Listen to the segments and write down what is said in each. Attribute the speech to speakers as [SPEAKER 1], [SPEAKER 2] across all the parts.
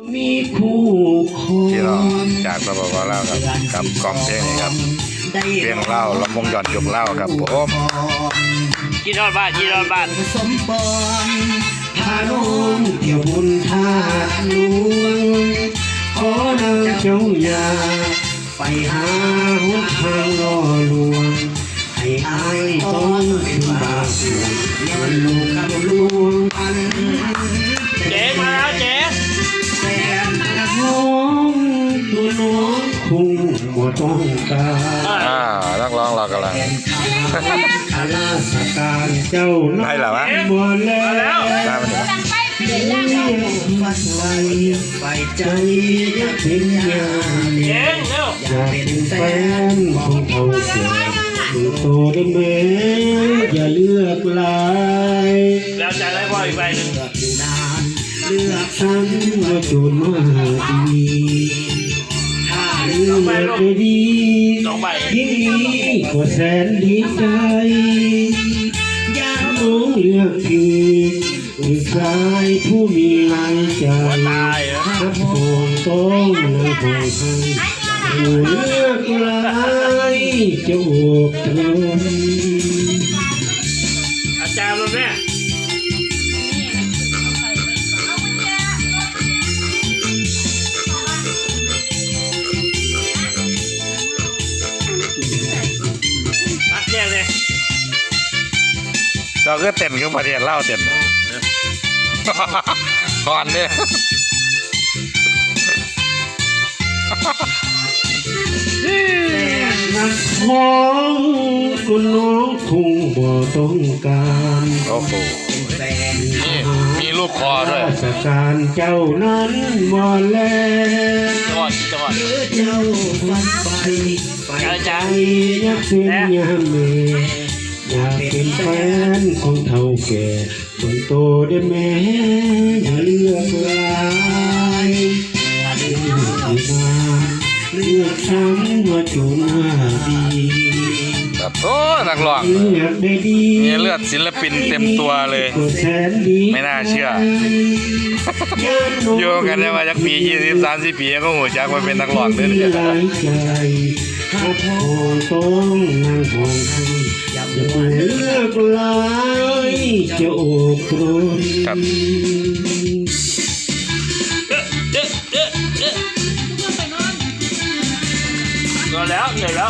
[SPEAKER 1] มีคู่คร
[SPEAKER 2] ที่เรา
[SPEAKER 1] อง
[SPEAKER 2] จากสปปลาวกับกล่อมเพลงนี้ครับเพลงเล่าลำวงย้อนยุคเล่าครับผม
[SPEAKER 3] กินทอดบ้านกินทอดบ้าน
[SPEAKER 1] สมปองพาน้องเที่ยวบุญท่าหลวงขอนางเจ้าอย่าไปหาหนทางล่อลวงให้อายต้องเป็นบาปอย่าลูกคำลวงอัน
[SPEAKER 3] เจ๊มาแล้วเจ๊
[SPEAKER 1] แฟนน้องตัวน้องคงบ่ต้องการ
[SPEAKER 2] นักร้องเรากำลัง
[SPEAKER 1] ข้าราชการเจ้าน้อยบ่แล้ว
[SPEAKER 2] ได้มาถึง
[SPEAKER 1] ฟัดไว้ไฟใจอยากเป็นยา
[SPEAKER 3] เจ๊เร็ว
[SPEAKER 1] อยากเป็นแฟนของเขาเสียดูโตได้ไหมอย่าเลือกลาย
[SPEAKER 3] แล้วจะได้พ่ออีกใบหนึ่ง
[SPEAKER 1] เลือกอยู่นานเลือกฉันว่าจูนมาดีถ้าเลือกได้ดี
[SPEAKER 3] สองใบ
[SPEAKER 1] ยิ่งดีก็แสนดีใจอยากน้องเลือกผิดผู้ชายผู้มีหลายใจ
[SPEAKER 3] หัวตายเหรอ
[SPEAKER 1] ถ้าโผล่ต้องนะโผล่ให้ผู้เลือกหลายจะโอบตรน
[SPEAKER 3] อาจารย์มาแม่ตักแยกเลย
[SPEAKER 2] เราก็เต้นกับประเทศเล่าเต้นก่อนเนี่ย
[SPEAKER 1] นักของคุณน้องคงบ่ต้องการ
[SPEAKER 2] โอ้โห
[SPEAKER 1] แฟน
[SPEAKER 2] นี่มีรูปคอด้วย
[SPEAKER 1] ราชการเจ้านั้นบ่แล้ว
[SPEAKER 3] จังหวัดจังหวัด
[SPEAKER 1] เจ้าฟันไปใจอยากเป็นยามเมอยากเป็นแฟนของเท่าแก่คนโตได้แม่อย่าเลือกลายเลือกมาเลือกฉันว่าจูงมาดี
[SPEAKER 2] แบบโอ้นักร้อง
[SPEAKER 1] เลือกได้ดี
[SPEAKER 2] มีเลือดศิลปินเต็มตัวเลย
[SPEAKER 1] ก็แสนดี
[SPEAKER 2] ไม่น่าเชื่อ อยู่กันได้มาจากปี20-30 ปีก็หูจักว่าเป็นนักร้องเด้อ
[SPEAKER 1] หลายใจถ้าพ่อต้องนั่งห้องให้อย่าเลือกลายจะโอบกรน
[SPEAKER 2] ครับ
[SPEAKER 3] ก็แล้วเหนื่อยแล้ว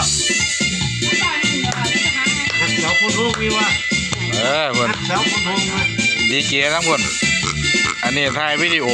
[SPEAKER 3] เสาคนทุ่งมีว่า
[SPEAKER 2] คน
[SPEAKER 3] เสาคนทุ่งมา
[SPEAKER 2] ดีเจทั้งคนอันนี้ถ่ายวิดีโอ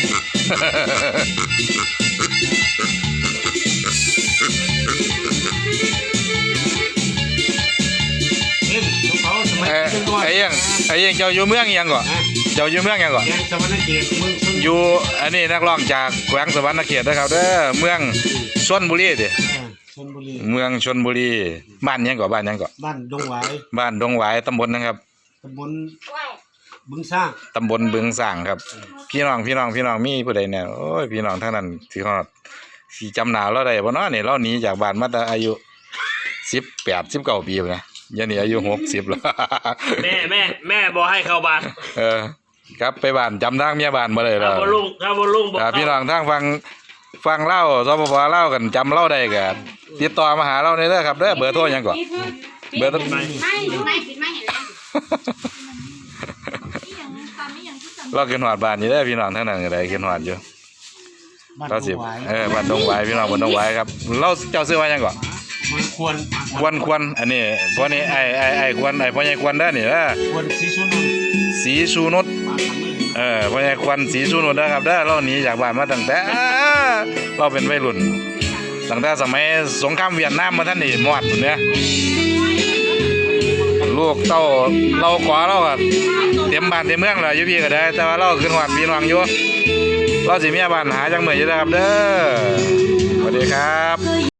[SPEAKER 3] เล่นเขาสมัยเป็นก่อน
[SPEAKER 2] ไอ้ยังเจ้าอยู่เมืองยังก่อนเจ้าอยู่เมืองยังก่อน
[SPEAKER 3] แกงสวรรค์เกียรติเมืองชน
[SPEAKER 2] อยู่อันนี้นักร้องจากแขวงสวรรณเขตนะครับเด้อเมืองชลบุรีเด้
[SPEAKER 3] ชลบุรี
[SPEAKER 2] เมืองชลบุรีบ้านยังก่อนบ้านยังก่อน
[SPEAKER 3] บ้านดงหวาย
[SPEAKER 2] บ้านดงหวายตำบลนะครับ
[SPEAKER 3] ตำบลบึงสร้าง
[SPEAKER 2] ตำบลบึงสร้างครับ พี่น้องมีผู้ใดเนี่ยโอ้ยพี่น้องทั้งนั้นที่เขาสิจำหน้าเราได้บ่เนาะนี่เราหนีจากบ้านมาแต่อายุ18-19 ปีนะยันนี่อายุ60แล้ว
[SPEAKER 3] แม่บอกให้เข้าบ้าน
[SPEAKER 2] ครับไปบ้านจำทางเมียบ้านบ่ได้แล้ว
[SPEAKER 3] ถ้าบนลุงบอก
[SPEAKER 2] พี่น้องทางฟังเล่าสปปเล่ากันจำเล่าได้กันติดต่อมาหาเราในเด้อครับเด้อเบอร์โทรยังก่อนเบอร์โทร
[SPEAKER 4] ไม่ดูไม่ปิดไม่เห็นแล้ว
[SPEAKER 2] เราเกินหอดบ้านนี่เด้อพี่น้องทั้งนั้นก็ได้เกินหอดอยู่
[SPEAKER 3] บ้าน
[SPEAKER 2] เรา
[SPEAKER 3] ด
[SPEAKER 2] สิ
[SPEAKER 3] งหวาย
[SPEAKER 2] บ้านดงหวายพี่น้องบ้านดงหวายครับเราเจ้าซื้อมายังก่อน
[SPEAKER 3] มันควร
[SPEAKER 2] ควรอันนี้พวกนี้ไอ้ควรไอ้พ่อใหญ่ควรเด้อนี่เด้อ
[SPEAKER 3] ควรสีชุนน
[SPEAKER 2] สีสูนุช
[SPEAKER 3] บ้านทำมือ
[SPEAKER 2] พ่อใหญ่ควรสีสูนุชเด้อครับเด้อเราหนีจากบ้านมาตั้งแต่เราเป็นวัยรุ่นตั้งแต่สมัยสงครามเวียดนามมาท่านนี่มอดพุ่นเนี่ยลูกเต้าเราขวาเราก็เต็มบ้านเต็มเมืองแล้วอยู่พี่ก็ได้แต่ว่าเราขึ้นหอดพี่น้องอยู่เราสิมีบ้านหาจังมื้ออยู่เด้อครับเด้อสวัสดีครับ